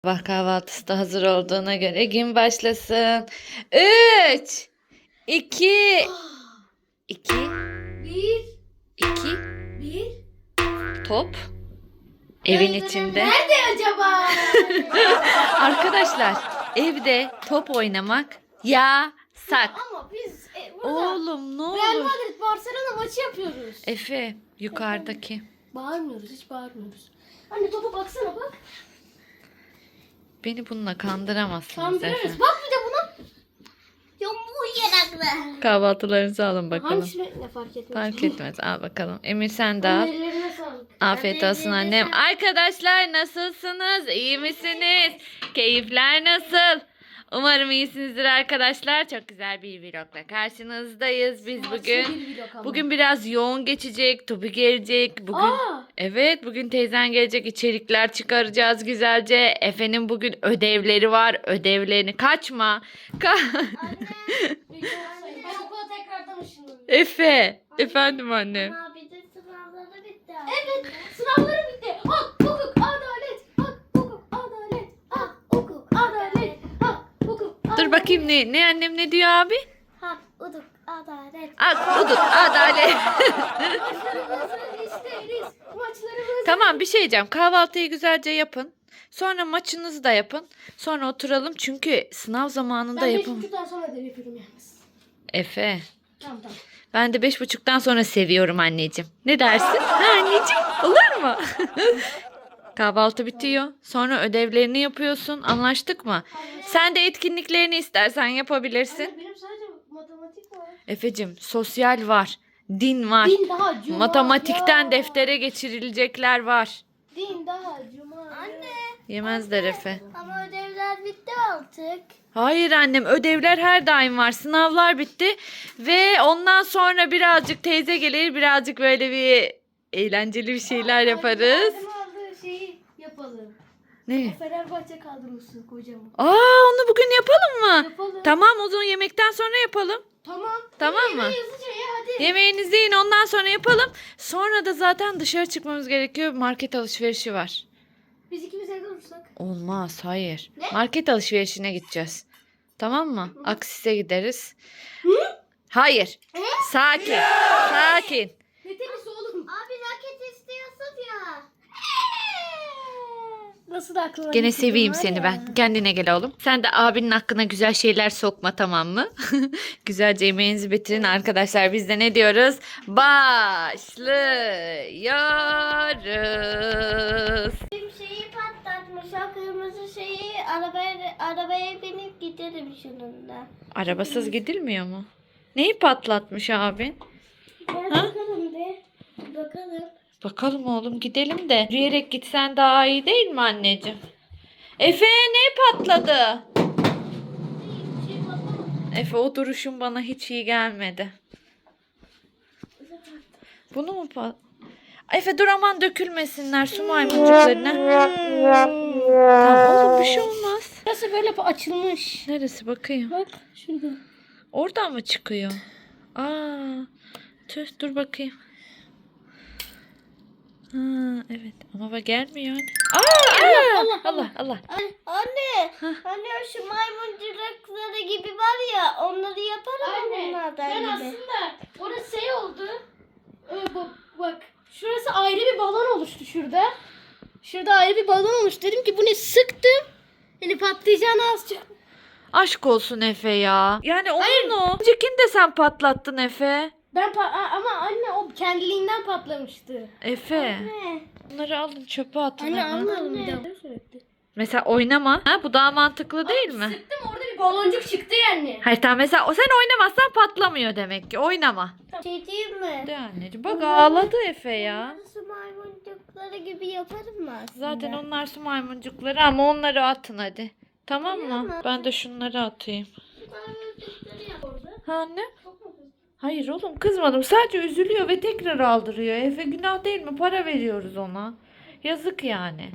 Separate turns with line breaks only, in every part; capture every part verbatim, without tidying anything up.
Sabah kahvaltısı da hazır olduğuna göre gün başlasın. Üç, iki, iki,
Bir,
iki,
bir.
top evin
Döndürüm
içinde.
nerede acaba?
Arkadaşlar evde top oynamak yasak.
Ama biz e, burada
Oğlum ne
Real
olur.
Madrid Barcelona maçı yapıyoruz.
Efe yukarıdaki.
Bağırmıyoruz, hiç bağırmıyoruz. Anne topa baksana bak.
Beni bununla kandıramazsınız Efe.
Kandırırız. Bak bir de buna. Ya bu yanaklı.
Kahvaltılarınızı alın bakalım.
Hangisine ne fark etmez.
Fark etmez. Al bakalım. Emir sen de al.
Anne, ellerine sağlık.
Afiyet olsun annem. Arkadaşlar nasılsınız? İyi misiniz? Keyifler nasıl? Umarım iyisinizdir arkadaşlar. Çok güzel bir vlogla karşınızdayız. Biz
Maçlı
bugün
bir vlog ama.
bugün biraz yoğun geçecek. Tobi gelecek. Bugün
Aa!
evet bugün teyzen gelecek. İçerikler çıkaracağız güzelce. Efe'nin bugün ödevleri var. Ödevlerini kaçma. Ka-
Anne. Ben okula tekrardan ışınlanıyorum.
Efe. Efendim annem.
Abi de sınavları bitti.
Evet, sınavları bitti. Hak, hukuk, adalet. Hak, hukuk, adalet. Hak, hukuk, adalet. Hak, hukuk, adalet.
Dur bakayım ne ne annem ne diyor abi?
Hak, uduk, adalet.
Ak, uduk, adalet.
Maçlarımızı isteriz. Maçlarımızı.
Tamam bir şey diyeceğim. Kahvaltıyı güzelce yapın. Sonra maçınızı da yapın. Sonra oturalım çünkü sınav zamanında
Ben beş
yapın.
buçuktan sonra ödev yapıyorum yalnız.
Efe.
Tamam tamam.
Ben de beş buçuktan sonra seviyorum anneciğim. Ne dersin? Ha anneciğim olur mu? Kahvaltı bitiyor. Sonra ödevlerini yapıyorsun. Anlaştık mı? Sen de etkinliklerini istersen yapabilirsin.
Anne, benim sadece matematik var.
Efecim sosyal var. Din var.
Din daha cuma.
Matematikten
ya.
deftere geçirilecekler var.
Din daha cuma.
Anne.
Yemezler Efe.
Ama ödevler bitti artık.
Hayır annem ödevler her daim var. Sınavlar bitti ve ondan sonra birazcık teyze gelir birazcık böyle bir eğlenceli bir şeyler yaparız.
Annem aldığı şeyi yapalım.
Ne?
Fenerbahçe kadrosu kocaman.
Aa onu bugün yapalım mı?
Yapalım.
Tamam o zaman yemekten sonra yapalım.
Tamam.
Tamam mı?
Yemeği hızlıca ye hadi.
Yemeğinizi yiyin ondan sonra yapalım. Sonra da zaten dışarı çıkmamız gerekiyor. Market alışverişi var.
Biz ikimiz evde olursak.
Olmaz hayır.
Ne?
Market alışverişine gideceğiz. Tamam mı? Aksis'e gideriz. Hayır. Sakin. Sakin.
Ne tenisi oğlum?
Abi raket istiyorsun ya.
Nasıl da aklına
Gene
getirdin
seveyim
var
seni
ya.
ben. Kendine gel oğlum. Sen de abinin hakkına güzel şeyler sokma tamam mı? Güzelce yemeğinizi bitirin arkadaşlar. Biz de ne diyoruz? Başlıyoruz.
Bir şeyi patlatmış. O kırmızı şeyi arabaya, arabaya binip giderim şununla.
Arabasız gidilmiyor mu? Neyi patlatmış abin?
Gel
Ha?
bakalım de. Bakalım.
Bakalım oğlum gidelim de. Yürüyerek gitsen daha iyi değil mi anneciğim? Efe ne patladı?
Bir şey patlamadı.
Efe o duruşun bana hiç iyi gelmedi. Bunu mu pat... Efe dur aman dökülmesinler su maymuncuklarına. Tamam oğlum bir şey olmaz.
Burası böyle açılmış.
Neresi bakayım?
Bak şurada.
Oradan mı çıkıyor? Aa, tüh dur bakayım. Ha, evet ama bak gelmiyor. Aa, aa,
Allah,
Allah Allah.
Anne, anne, anne şu maymuncukları gibi var ya, onları yaparım mı bunlardan
ben
gibi?
aslında orası şey oldu. Ee, bak, bak şurası ayrı bir balon oluştu şurada. Şurada ayrı bir balon oluştu. Dedim ki bu ne sıktım. Yani patlayacağını az çok.
Aşk olsun Efe ya. Yani onun o. Öncekini de sen patlattın Efe.
Ben pa- a- ama anne o kendiliğinden patlamıştı.
Efe.
Ne?
Bunları alın çöpe atın
Anne
hemen.
almayalım bir daha. Sürekli.
Mesela oynama. Ha, bu daha mantıklı değil mi?
Sıktım orada bir baloncuk çıktı yani.
Hayır tamam mesela o sen oynamazsan patlamıyor demek ki. Oynama.
Şey diyeyim mi?
De anneciğim. Bak ağladı Efe ya.
Şu maymuncukları gibi yaparım mı aslında?
Zaten onlar su maymuncukları ama onları atın hadi. Tamam mı?
Tamam.
Ben de şunları atayım.
Maymuncukları yap orada.
Ha anne? Hayır oğlum kızmadım. Sadece üzülüyor ve tekrar aldırıyor. Efe günah değil mi? Para veriyoruz ona. Yazık yani.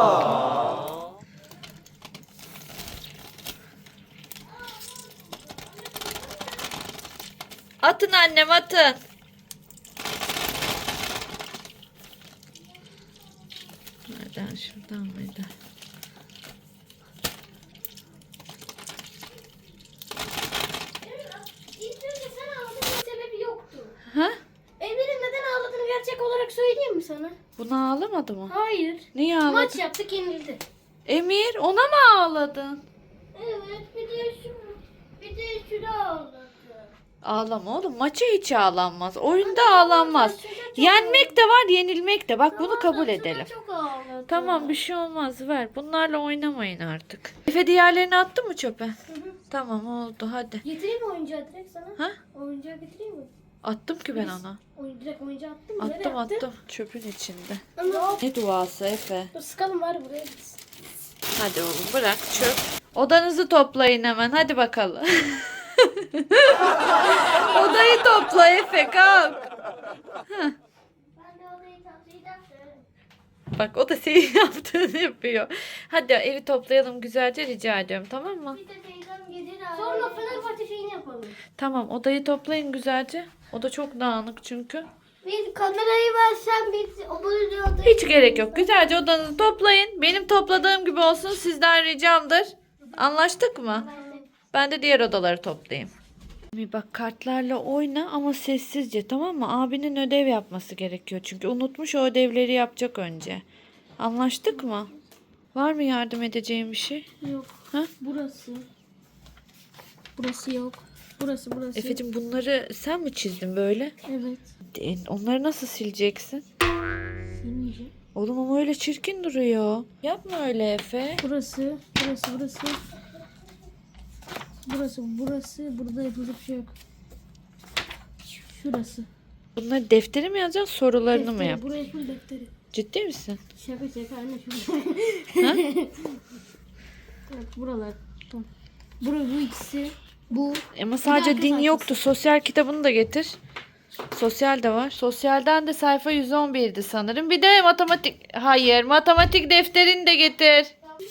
Atın annem atın. Nereden şuradan mıydı? Buna ağlamadı mı?
Hayır.
Niye ağladı?
Maç yaptık yenildi.
Emir ona mı ağladın?
Evet bir de şu bir de şurada oldu.
Ağlama oğlum. Maça hiç ağlanmaz. Oyunda ağlanmaz. Yenmek de var, yenilmek de. Bak bunu kabul edelim.
Çok ağladı.
Tamam bir şey olmaz ver. Bunlarla oynamayın artık. Efe diğerlerini attı mı çöpe? Tamam oldu hadi.
Getireyim mi oyuncağı direkt sana?
Ha?
Oyuncağı getireyim mi?
Attım ki ben ona.
Oyun, direkt oyuncağı attım mı? Nereye
Attım
attın?
attım. Çöpün içinde.
Ama
Ne duası Efe?
dur sıkalım var buraya gitsin.
Hadi oğlum bırak çöp. Odanızı toplayın hemen hadi bakalım. Odayı topla Efe kalk.
Ben de odayı toplayacaktım.
Bak o da senin yaptığını yapıyor. Hadi evi toplayalım güzelce rica ediyorum tamam mı?
Bir de teyzem gelir abi.
Sonra Fenerbahçe şeyini yapalım.
Tamam odayı toplayın güzelce. Oda çok dağınık çünkü.
Biz kamerayı versen biz o odayı
Hiç gerek yok. Güzelce odanızı toplayın. Benim topladığım gibi olsun sizden ricamdır. Anlaştık mı? Ben de diğer odaları toplayayım. Bir bak kartlarla oyna ama sessizce tamam mı? Abinin ödev yapması gerekiyor. Çünkü unutmuş o ödevleri yapacak önce. Anlaştık mı? Var mı yardım edeceğim bir şey?
Yok.
Ha?
Burası. Burası yok. Burası burası.
Efe'cim bunları sen mi çizdin böyle?
Evet.
E, Onları nasıl sileceksin?
Silmeyeceğim.
Oğlum ama öyle çirkin duruyor. Yapma öyle Efe.
Burası. Burası burası. Burası burası. Burada yapılacak bir şey yok. Şurası.
Bunları deftere mi yazacaksın sorularını mı
Defteri,
yap?
buraya full defteri.
Ciddi misin?
Şaka şaka anne şurada.
Ha?
Evet buralar. Tamam. Bura bu ikisi. Bu.
Ama sadece
arka
din
sayfası.
yoktu. Sosyal kitabını da getir. Sosyal de var. Sosyalden de sayfa yüz on birdi sanırım. Bir de matematik. Hayır, matematik defterini de getir.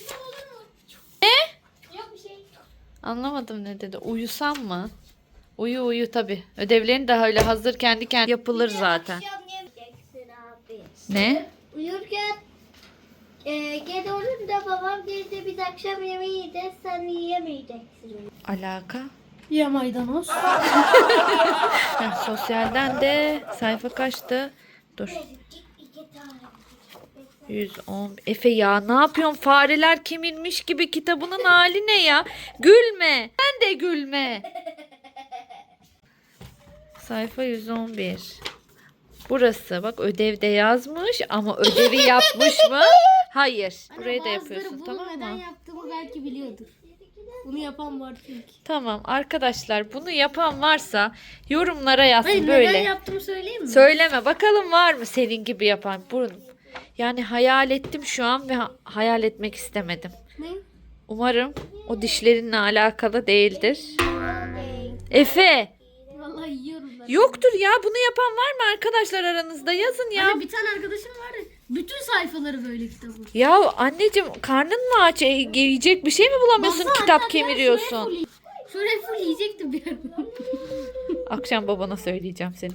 Yok bir şey.
Anlamadım ne dedi. Uyusam mı? Uyu uyu tabii. Ödevlerin de öyle hazır kendi kendine yapılır zaten.
Akşam yemeyeceksin abi.
Ne?
Uyurken e, gel olur da babam geldi biz akşam yemeği yiyeceğiz sen yiyemeyeceksin.
Alaka?
Ya maydanoz.
Heh, sosyalden de sayfa kaçtı? Dur.
İki tane.
yüz on. Efe ya ne yapıyorsun? Fareler kemirmiş gibi kitabının hali ne ya? Gülme. Sen de gülme. Sayfa yüz on bir. Burası bak ödevde yazmış ama ödevi yapmış mı? Hayır. Burayı da yapıyorsun tamam
neden
mı?
yaptığımı belki biliyordur. Bunu yapan var çünkü.
Tamam arkadaşlar bunu yapan varsa yorumlara yazsın
Hayır
böyle.
neden yaptığımı söyleyeyim mi?
Söyleme bakalım var mı senin gibi yapan? Burun. Yani hayal ettim şu an ve ha- hayal etmek istemedim.
Ne?
Umarım o dişlerinle alakalı değildir. Efe,
Vallahi yiyorum ben.
yoktur ya. Bunu yapan var mı arkadaşlar aranızda? Yazın ya.
Hani bir tane arkadaşım vardı. Bütün sayfaları böyle kitabın.
Ya anneciğim karnın mı aç? E, yiyecek bir şey mi bulamıyorsun?
Baksana
Kitap
hatta bir ara
kemiriyorsun.
Şuraya full, şuraya full yiyecektim bir ara.
Akşam babana söyleyeceğim seni.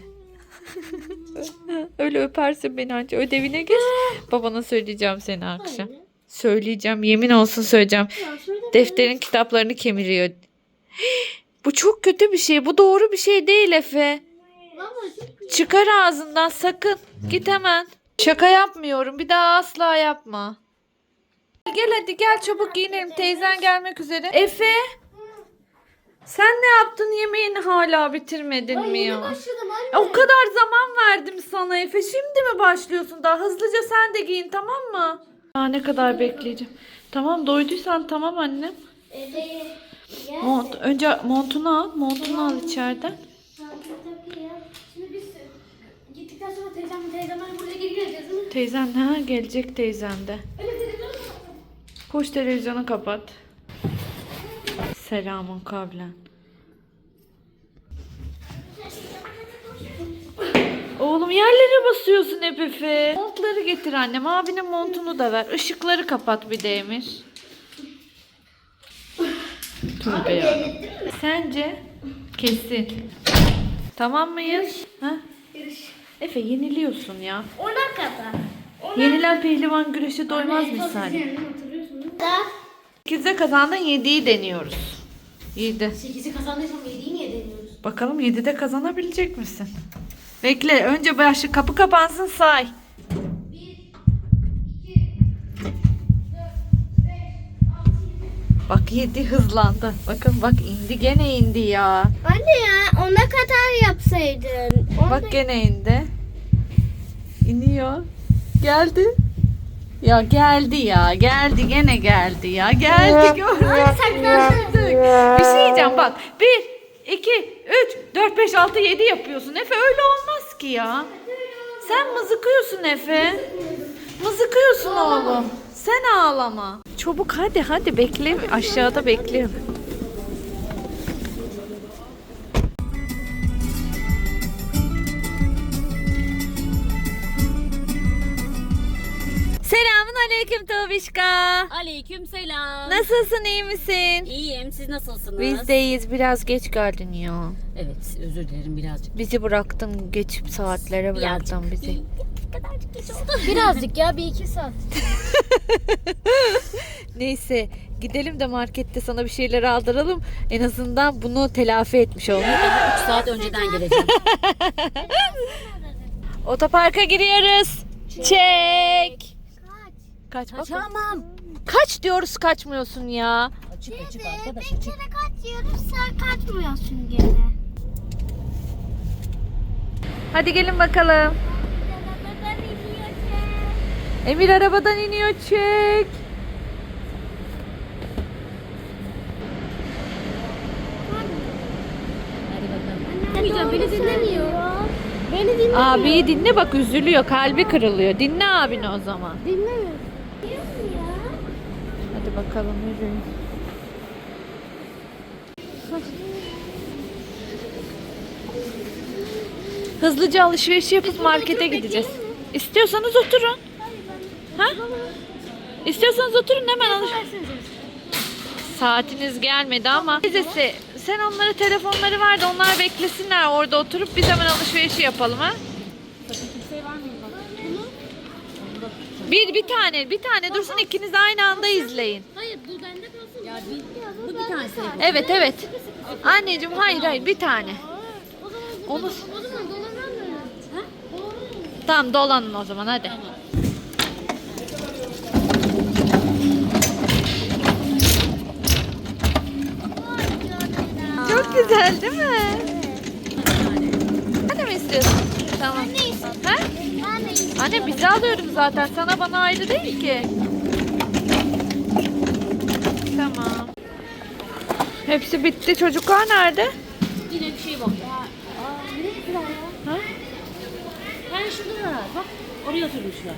Öyle öpersin beni anca. Ödevine geç. Babana söyleyeceğim seni akşam. Söyleyeceğim. Yemin olsun söyleyeceğim.
Ya şurada
Defterin kitaplarını kemiriyor. Bu çok kötü bir şey. Bu doğru bir şey değil Efe.
Vallahi çok
Çıkar ağzından sakın. Git hemen. Şaka yapmıyorum. Bir daha asla yapma. Gel hadi gel çabuk giyinelim. Teyzen gelmek üzere. Efe. Sen ne yaptın? Yemeğini hala bitirmedin mi ya?
başladım anne.
E, O kadar zaman verdim sana Efe. Şimdi mi başlıyorsun? Daha hızlıca sen de giyin tamam mı? Daha ne kadar bekleyeceğim. Tamam doyduysan tamam annem.
Evet.
Mont, önce montunu al. Montunu al içeriden.
Şimdi biz gittikten sonra teyzem teyzemler buraya geri geleceğiz değil mi?
Teyzen ha gelecek teyzen de.
Öyle televizyonu mu?
Koş televizyonu kapat. Selamun kavlen. Oğlum yerlere basıyorsun hep Efe. Montları getir annem. Abinin montunu da ver. Işıkları kapat bir de Emir. Tövbe ya. Sence? Kesin. Tamam mıyız? Ha? Efe yeniliyorsun ya.
Ona kadar.
Yenilen pehlivan güreşe doymaz misali.
Hatırlıyorsun değil mi?
Da.
sekizde kazandın yediyi deniyoruz. yedi.
sekizi kazandıysam yediyi niye deniyoruz?
Bakalım yedide kazanabilecek misin? Bekle önce başı kapı kapansın say.
Bir,
Bak yedi, hızlandı. Bakın bak, indi, gene indi ya.
Anne ya ona kadar yapsaydın. Onu
Bak gene indi. İniyor. Geldi. Ya geldi ya. Geldi, gene geldi ya. Geldi, gördük. Bir şey diyeceğim bak. bir, iki, üç, dört, beş, altı, yedi yapıyorsun. Efe öyle olmaz ki ya. Sen mızıkıyorsun Efe. Mızıkıyorsun oğlum. Sen ağlama. Çabuk hadi hadi, bekle. Aşağıda bekliyorum. Selamun aleyküm Tobişka.
Aleyküm selam.
Nasılsın, iyi misin?
İyiyim. Siz nasılsınız?
Biz de iyiyiz. Biraz geç geldin ya.
Evet, özür dilerim birazcık.
Bizi bıraktın, geç saatlere bıraktın
Birazcık.
bizi.
Bir kadarcık geç oldu.
Birazcık ya, bir iki saat.
Neyse, gidelim de markette sana bir şeyler aldıralım. En azından bunu telafi etmiş olalım.
üç saat önceden geleceğim.
Otoparka giriyoruz. Çek. Kaç. Kaç bak.
Kaçamam.
Kaç diyoruz, kaçmıyorsun ya.
Açık açık arkadaş
bir
açık.
kere kaçıyoruz sen kaçmıyorsun gene.
Hadi gelin bakalım. Emir arabadan iniyor, çek.
Hadi bakalım.
Dinlemeyeceğim, beni dinlemiyor. Beni dinlemiyor.
Abiyi dinle bak, üzülüyor, kalbi kırılıyor. Dinle abini o zaman.
Dinlemiyor.
Hadi bakalım, yürüyün. Hızlıca alışveriş yapıp markete gideceğiz. İstiyorsanız oturun. Ha? İstiyorsanız oturun, hemen alış. Saatiniz gelmedi ama. Teyzesi, sen onlara telefonları ver de onlar beklesinler orada oturup biz hemen alışverişi yapalım ha. Bir bir tane, bir tane dursun, ikiniz aynı anda izleyin.
Hayır, bu bende kalsın.
Ya bir, bu bir tanesi.
Evet evet. Anneciğim hayır hayır, bir tane.
O zaman,
Onu...
o zaman dolanmam mı? Ha?
Tamam, dolanın o zaman hadi. Çok güzel değil mi? Hadi mi istiyorsun? Tamam. Ha? Anne bizi alıyoruz zaten. Sana bana ayrı değil ki. Tamam. Hepsi bitti. Çocuklar nerede?
Yine bir şey bak. Ya,
Ha?
ben şurada var. Bak oraya oturmuşlar.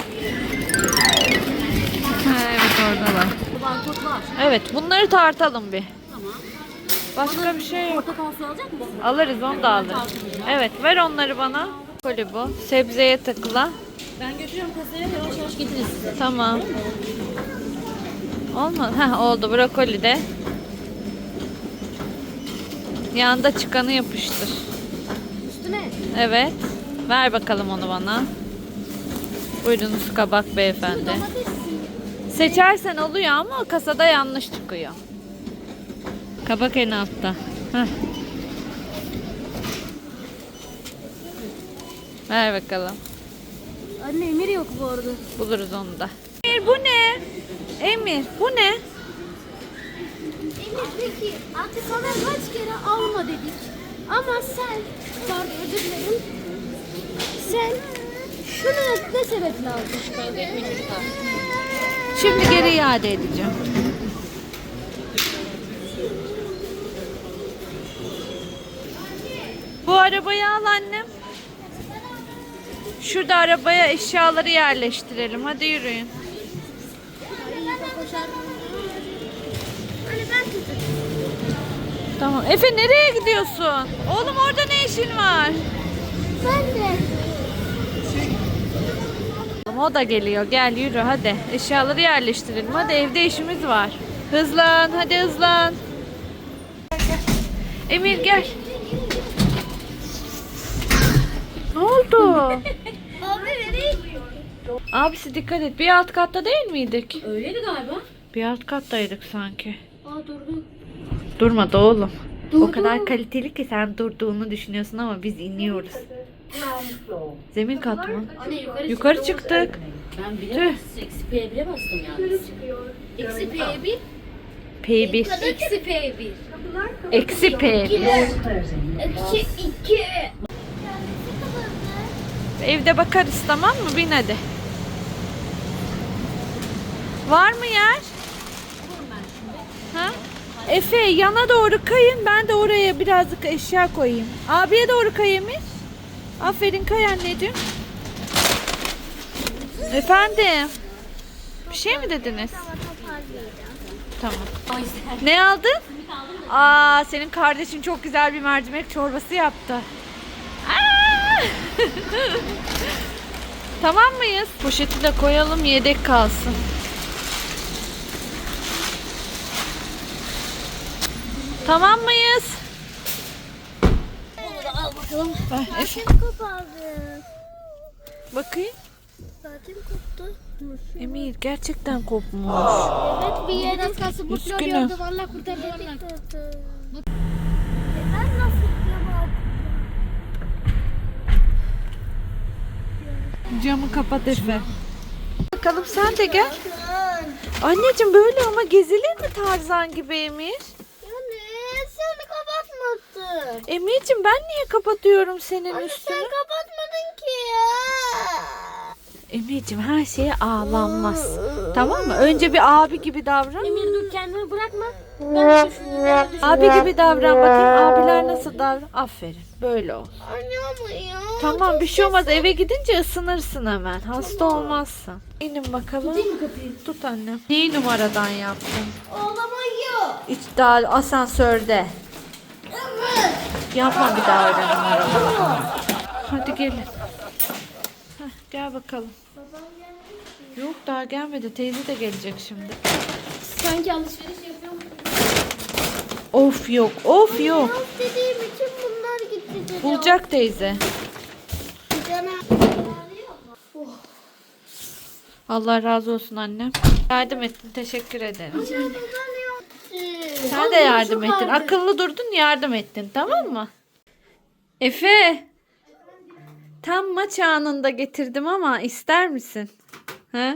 Ha, evet oradalar.
Bantot var.
Evet, bunları tartalım bir.
Tamam.
Başka bir şey yok.
Portakal suyu alacak mısın?
Alırız, onu da alırız. Evet, ver onları bana. Koli bu. Sebzeye takıla.
Ben götürüyorum kasaya, yavaş yavaş getirin size.
Tamam. Olmadı. Heh, oldu. Brokoli de. Yanında çıkanı yapıştır.
Üstüne.
Evet. Ver bakalım onu bana. Buyurunuz kabak beyefendi. Seçersen oluyor ama kasada yanlış çıkıyor. Kabak en altta. Heh. Ver bakalım.
Anne, Emir yok bu arada.
Buluruz onu da. Emir bu ne? Emir bu ne?
Emir peki artık sana kaç kere alma dedik. Ama sen, pardon özür dilerim. Sen şunu ne sebeple aldın?
Kavga etme çocuklar.
Şimdi geri iade edeceğim. Bu arabayı al annem. Şurada arabaya eşyaları yerleştirelim. Hadi yürüyün.
Hani ben tutayım.
Tamam. Efe nereye gidiyorsun? Oğlum orada ne işin var?
Ben de.
O da geliyor. Gel yürü hadi. Eşyaları yerleştirelim. Hadi, evde işimiz var. Hızlan. Hadi hızlan. Emir gel. Ne oldu?
Abi nereye gidiyor?
Abisi dikkat et. Bir alt katta değil miydik?
Öyleydi galiba.
Bir alt kattaydık sanki.
Aa durdu.
Durmadı oğlum. O
Durdu.
kadar kaliteli ki sen durduğunu düşünüyorsun ama biz iniyoruz. Zemin kat mı?
Anne yukarı
Yukarı çıktık.
Ben
Tüh.
bile eksi P'ye bile bastım yani.
Eksi P bir.
P bir.
Eksi P bir.
Eksi P bir.
Eksi iki.
Evde bakarız, tamam mı? Bin hadi. Var mı yer? Ha? Efe yana doğru kayın. Ben de oraya birazcık eşya koyayım. Abiye doğru kay Emir. Aferin, kay anneciğim. Efendim. Bir şey mi dediniz? Tamam. Ne aldın? Aa, senin kardeşin çok güzel bir mercimek çorbası yaptı. Aa! Tamam mıyız? Poşeti de koyalım, yedek kalsın. Tamam mıyız?
Al bakalım.
Ver, Efe.
Zaten kopardı.
Bakayım.
Zaten koptu.
Emir gerçekten kopmuş.
Evet, bir yerden kalsın kurtarıyor.
Üzgünüm.
Valla kurtardı valla.
Ben nasıl yapamadım?
Camı kapat Efe. Bakalım sen de gel. Anneciğim böyle ama gezilir mi Tarzan gibi Emir?
Yani sen kapatmadın.
Emir'cim ben niye kapatıyorum senin
Anne
üstünü?
sen kapatmadın ki ya.
Emir'cim her şeye ağlanmaz. Tamam mı? Önce bir abi gibi davran.
Emir dur, kendini bırakma. Ben de şunu
Abi gibi davran bakayım. Abiler nasıl davran? Aferin. Böyle ol.
Anne ama ya.
Tamam bir şey olmaz. Eve gidince ısınırsın hemen. Hasta olmazsın. İnin bakalım. Tut annem. Neyi numaradan yaptın?
Ağlamayı.
İç daha asansörde.
Evet.
Yapma bir daha öyle numaradan. Hadi gelin. Heh, gel bakalım. Yok daha gelmedi. Teyze de gelecek şimdi.
sanki alışveriş yapıyorum.
Of yok. Of yok.
Yok dediğim için bunlar gitti dedi.
Bulacak teyze. Allah razı olsun annem. Yardım ettin. Teşekkür ederim. Sen de yardım ettin. Akıllı durdun, yardım ettin. Tamam mı? Efe. Tam maç anında getirdim ama ister misin? Ha?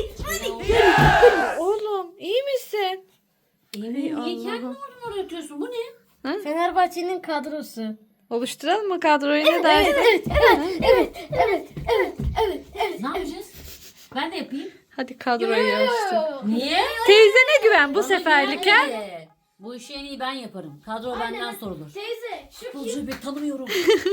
Oğlum iyi misin?
Emin niye kendini oradan oraya atıyorsun? Bu ne?
Fenerbahçe'nin kadrosu.
Oluşturalım mı kadroyu, ne dersin?
Evet, evet, evet, evet, evet, evet, evet.
Ne yapacağız? Ben de yapayım.
Hadi kadroyu oluştur.
Niye?
Teyzene güven bu
Bana
seferlik
güven
ha.
de. Bu işi en iyi ben yaparım. Kadro benden sorulur.
Teyze, şu
Futbolcuyu pek tanımıyorum.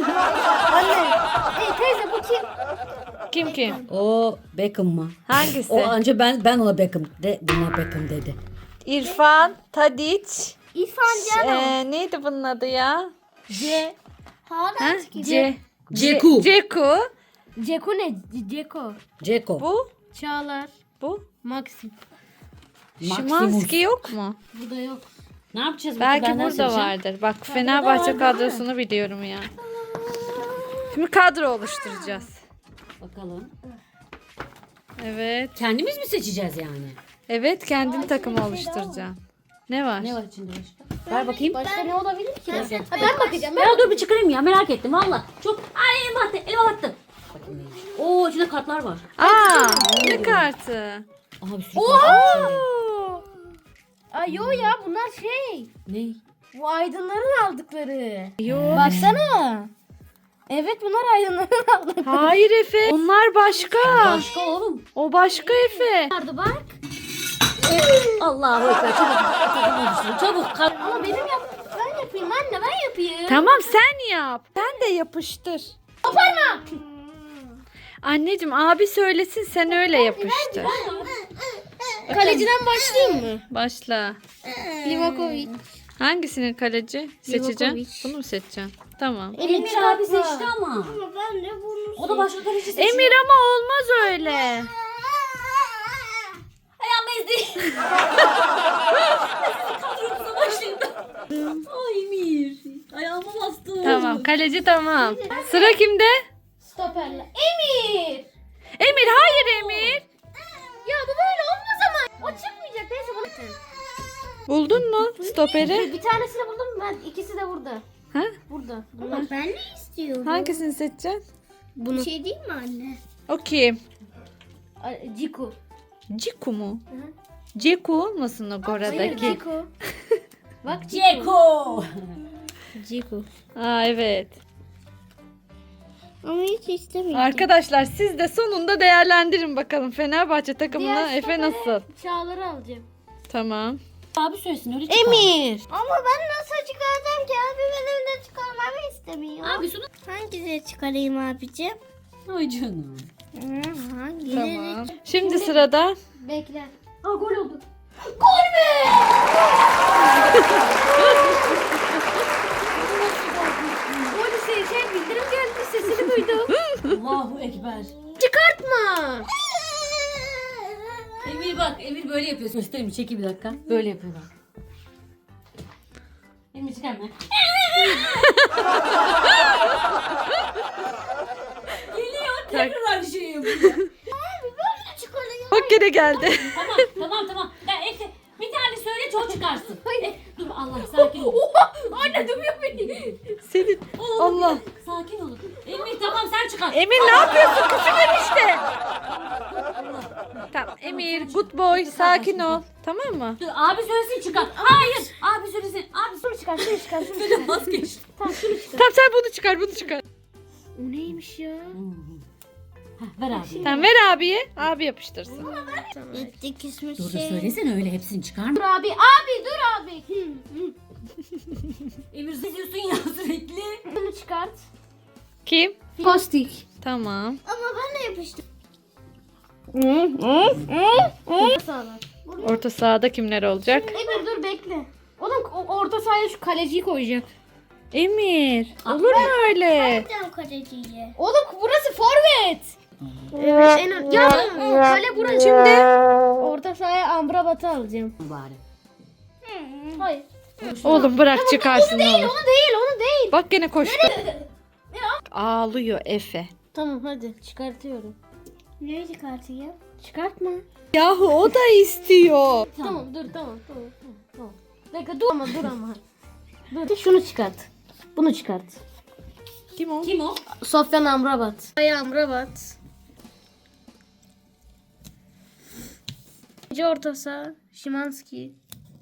Hey, teyze bu kim?
Kim kim?
O Beckham mı?
Hangisi?
O anca ben ben ona Beckham de buna Beckham dedi.
İrfan, Tadiç.
İrfan Can.
Ee, neydi bunun adı ya?
C.
Ha?
Hala
C.
Ceku.
Ceku.
Ceko ne? Ceko.
Ceko.
Bu.
Çağlar.
Bu.
Maxim.
Şimanski yok mu?
Bu da yok.
Ne yapacağız?
Belki
Benden
burada
seçeceğim.
vardır. Bak Fenerbahçe kadrosunu biliyorum ya. Şimdi kadro oluşturacağız.
Bakalım.
Evet.
Kendimiz mi seçeceğiz yani?
Evet, kendin takımı oluşturacaksın. Ne var?
Ne var içinde başka? Ver bakayım.
Başka ne olabilir ki? Ha, ben bakacağım. Ben
Ya dur bir çıkarayım ya, merak ettim valla. Çok ay elime attı, elime attı. Bakayım neymiş. Oo içinde kartlar var.
Aa, ne kartı?
Aha bir sürü kart var içinde.
Oo.
Ay yo ya, bunlar şey.
Ne?
Bu aydınların aldıkları.
Yo.
Baksana. Evet, bunlar aydınların aldıkları.
Hayır Efe. Onlar başka.
Başka oğlum.
O başka Efe.
Vardı bak.
Allahu ekber, çabuk takım oluşturun. Çabuk kart.
Ama benim yap ben yapayım anne, ben yapayım.
Tamam sen yap. Sen de yapıştır.
Koparma.
Anneciğim abi söylesin, sen öyle yapıştır.
Kaleciden başlayayım mı?
Başla.
Livakovic.
Hangisini kaleci seçeceksin?
Livakovic.
Bunu mu seçeceksin? Tamam.
Emir abi seçti ama.
ben de bunu
O da başka kaleci seçti.
Emir ama olmaz öyle.
Ayağım ezdi. Kadromuza başlayayım. Ay Emir. Ayağıma bastı.
Tamam, kaleci tamam. Sıra kimde?
Stoperle. Emir.
Emir, hayır Emir.
Ya bu böyle olmaz ama. O çıkmayacak. Neyse bunu.
Buldun mu stoperi?
Bir tanesini buldum ben. İkisi de burada.
Ha?
Burada.
Ama ben ne istiyorum?
Hangisini seçeceksin?
Bunu. Bir şey değil mi anne?
O kim?
Ciku.
Ciku mu? Ceku olmasın o
Hayır
Gora'daki?
Ceko. Bak
Ceko.
Ceko.
Aa evet.
Ama hiç istemiyorum.
Arkadaşlar siz de sonunda değerlendirin bakalım Fenerbahçe takımına
Diğer
Efe
stopere
nasıl?
Çağlar'ı alacağım.
Tamam.
Abi söylesin öyle çıkar.
Emir.
Ama ben nasıl çıkaracağım ki? Abi benim de çıkarmamı istemiyor.
Abi şunu.
Hangisini çıkarayım abicim?
Ay canım.
Hı, hangileri?
Tamam. Şimdi sırada
Bekle.
Aa gol oldu.
Gol şey, şey bildirim geldi sesini duydum.
Allahu Ekber.
Çıkartma.
Emir bak, Emir böyle yapıyor. Göstereyim, çekil bir dakika. Böyle yapıyor bak. Emir çıkarma. Geliyor, tekrar aynı şeyi yapıyor.
bak gene geldi.
Tamam, tamam, tamam. Ya Efe, bir tane söyle, çok çıkarsın. E, dur Allah, sakin ol.
Anne dövüyor beni.
Senin Allah.
Sakin olun. Emir tamam, sen çıkar.
Emir ne yapıyorsun? Küçük enişte. Tamam Emir good boy sakin ol. Tamam mı?
Dur, abi söylesin çıkar. Hayır, abi söylesin. Abi
Şunu çıkar, şunu çıkar, şunu çıkar.
söylesin. Vazgeçtim.
Tamam şunu çıkar.
Tamam sen bunu çıkar bunu çıkar.
O neymiş ya?
Heh, ver abi.
Tamam ver abiye. Abi yapıştırsın.
Gitti küsmüş
Dur da
şey.
söylesene öyle hepsini çıkarma.
Dur abi, abi dur abi. Hı, hı.
Emir seziyorsun ya sürekli.
Bunu çıkart.
Kim?
Postik.
Tamam.
Ama ben de yapıştım.
Sağlar.
Orta sahada kimler olacak?
Emir dur bekle. Oğlum o- orta sahaya şu kaleciyi koyacak.
Emir. Olur mu öyle?
Gideceğim kaleciye.
Oğlum burası forvet. Evet en ön. Ya kale burası. Şimdi orta sahaya Amrabat'ı alacağım.
Bari.
Hayır.
Oğlum bırak çıkarsın ne
Değil
olur.
onu değil onu değil.
Bak gene koştu. Ağlıyor Efe.
Tamam hadi çıkartıyorum.
Neyi çıkartayım?
Çıkartma.
Yahu o da istiyor.
Tamam, dur tamam tamam tamam. tamam. Bekle dur ama dur ama. Dur şunu çıkart. Bunu çıkart.
Kim o?
Kim o?
Sofyan Amrabat. Ay Amrabat. İkinci orta saha Şimanski.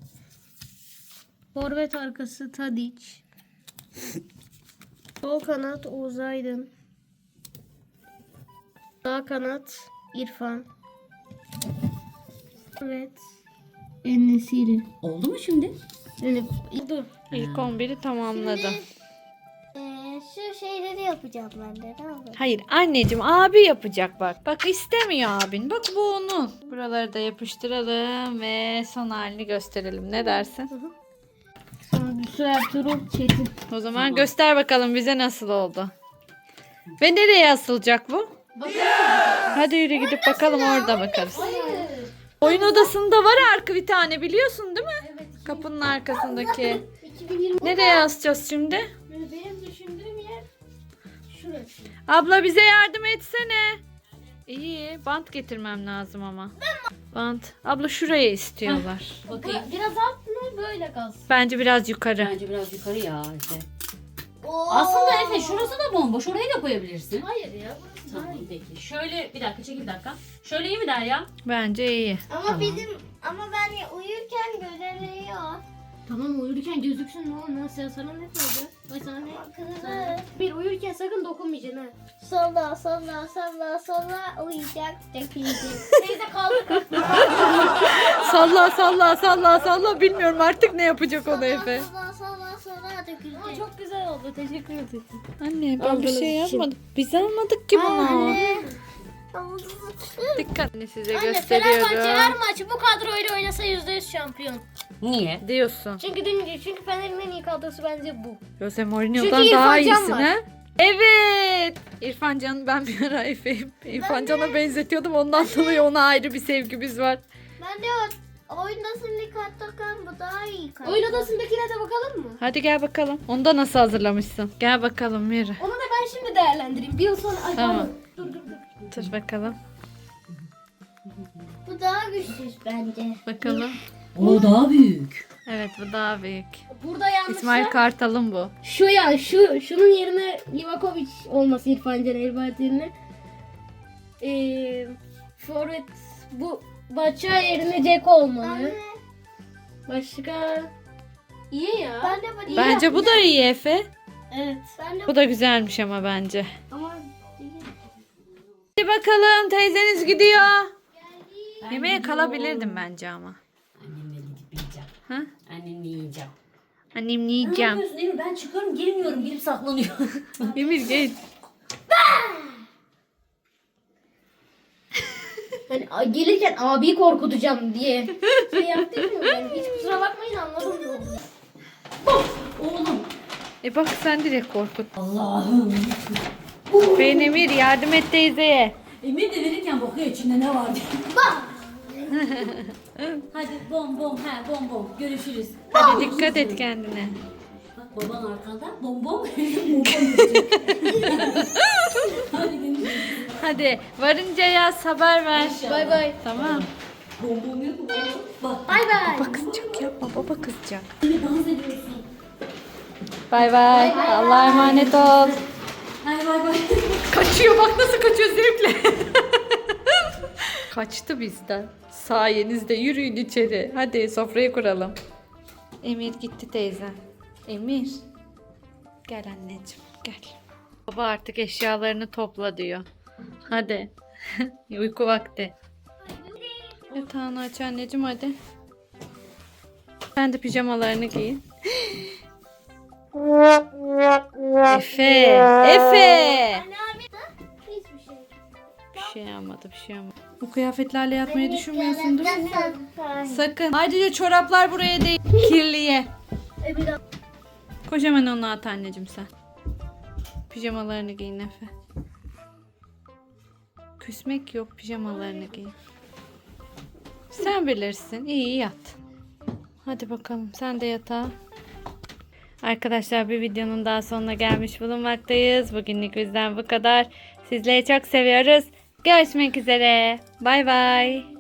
Forvet arkası Tadic. Sol kanat Oğuz Aydın. Sağ kanat İrfan. Evet. En-Nesyri.
Oldu mu şimdi?
Yani dur.
İlk on biri tamamladı.
Ee, şu şeyleri yapacağım ben de. Ne olur?
Hayır anneciğim abi yapacak bak. Bak istemiyor abin. Bak bu onun. Buraları da yapıştıralım ve son halini gösterelim. Ne dersin?
Sonra Ertuğrul Çetin.
O zaman göster bakalım bize nasıl oldu. Ve nereye asılacak bu? Hadi yürü gidip bakalım orada bakarız. Oyun odasında var arka bir tane biliyorsun değil mi? Kapının arkasındaki.
iki bin yirmi.
Nereye asacağız şimdi?
Benim düşündüğüm yer şurası.
Abla bize yardım etsene. İyi bant getirmem lazım ama. Bant. Abla şuraya istiyorlar.
Bakayım.
Biraz alt mı böyle kalsın?
Bence biraz yukarı.
Bence biraz yukarı ya Efe.
Oo.
Aslında Efe şurası da bomboş. Orayı da koyabilirsin.
Hayır ya.
Tamam peki. Şöyle bir dakika çekil bir dakika. Şöyle iyi mi Derya?
Bence iyi.
Ama
Tamam.
bizim ama ben uyurken görünüyor.
Tamam uyurken gözüksün ne olmaz ya sana ne koyacak? Ay sana ne?
Kızı.
Bir uyurken sakın dokunmayacaksın ha.
Salla salla salla salla uyuyacak dökülecek.
Teyze kaldı.
Salla salla salla salla bilmiyorum artık ne yapacak o da Efe.
Salla salla salla dökülecek.
Aa, çok güzel oldu teşekkür ederim.
Anne ben bir
Aldığınız
şey
için.
yapmadım. Biz almadık ki bunu.
Anne.
Dikkat Anne, size
Anne Fenerbahçe her
gösteriyorum.
maçı bu kadroyla oynasa yüzde yüz şampiyon.
Niye?
Diyorsun.
Çünkü dün, çünkü Fener'in en iyi kadrosu bence bu.
Jose
Çünkü
Mourinho'dan
İrfan
daha
Can
iyisin
var.
ha? Evet. İrfan Can'ı ben bir ara Efe, İrfan Can'a benzetiyordum. Ondan dolayı ona ayrı bir sevgimiz var.
Ben de o oyundasın karttakan bu daha iyi kart.
Oyun odasındakine de bakalım mı?
Hadi gel bakalım. Onu da nasıl hazırlamışsın? Gel bakalım yürü.
Onu da ben şimdi değerlendireyim. Bir yıl sonra ay,
Tamam.
pardon. Dur dur dur.
Dur bakalım.
Bu daha güçsüz bence.
Bakalım.
O daha büyük.
Evet bu daha büyük.
Burada yanlışsa
İsmail Kartal'ın bu.
şu ya şu şunun yerine Livakovic olması İrfan Can Elbayat yerine. Ee, forvet bu Bahçe yerine Jack olmalı. Başka? İyi ya.
Ben de bu
Bence bu da iyi Efe.
Evet.
Ben de
Bu da güzelmiş ama bence.
ama
Hadi bakalım teyzeniz gidiyor. Yemeğe kalabilirdim bence ama.
Annemle gidip yiyeceğim.
Ha?
Annemle yiyeceğim.
Annem
Ne
yiyeceğim.
yapıyorsun Emir? Ben çıkıyorum girmiyorum. Girip saklanıyor.
Emir geç.
Hani a- gelirken abiyi korkutacağım diye şey yaptım mı? Yani hiç kusura bakmayın anladım.
Oğlum.
E bak sen direkt korkut.
Allah'ım.
Ben Emir yardım et teyzeye.
Emir de verirken bakıyor içinde ne var diye. Hadi bom bom he bom bom. Görüşürüz.
Hadi dikkat et kendine.
Bak baban arkanda bom bom. bom bom yapacak. Hadi görüşürüz.
Hadi varınca yaz haber ver.
Bay bay.
Tamam.
Bom bom yok mu? Bak.
Bay bay.
Baba kızacak yapma baba kızacak.
Emir dans ediyorsun.
Bay bay. Allah'a emanet ol.
Hadi bay bay.
Kaçıyor bak nasıl kaçıyor zevkle. Kaçtı bizden. Sayenizde yürüyün içeri. Hadi sofrayı kuralım. Emir gitti teyze. Emir. Gel anneciğim gel. Baba artık eşyalarını topla diyor. Hadi. Uyku vakti. Yatağını aç anneciğim hadi. Sen de pijamalarını giyin. Efe. Efe.
hiçbir şey.
Bir şey almadı bir şey almadı. Bu kıyafetlerle yatmayı düşünmüyorsun değil mi?
Sen.
Sakın. Ayrıca çoraplar buraya değil. Kirliye.
E bir daha.
Koş hemen onu at anneciğim sen. Pijamalarını giyin Efe. Küsmek yok pijamalarını giyin. Sen bilirsin. İyi yat. Hadi bakalım sen de yatağa. Arkadaşlar bir videonun daha sonuna gelmiş bulunmaktayız. Bugünlük bizden bu kadar. Sizleri çok seviyoruz. Görüşmek üzere. Bay bay.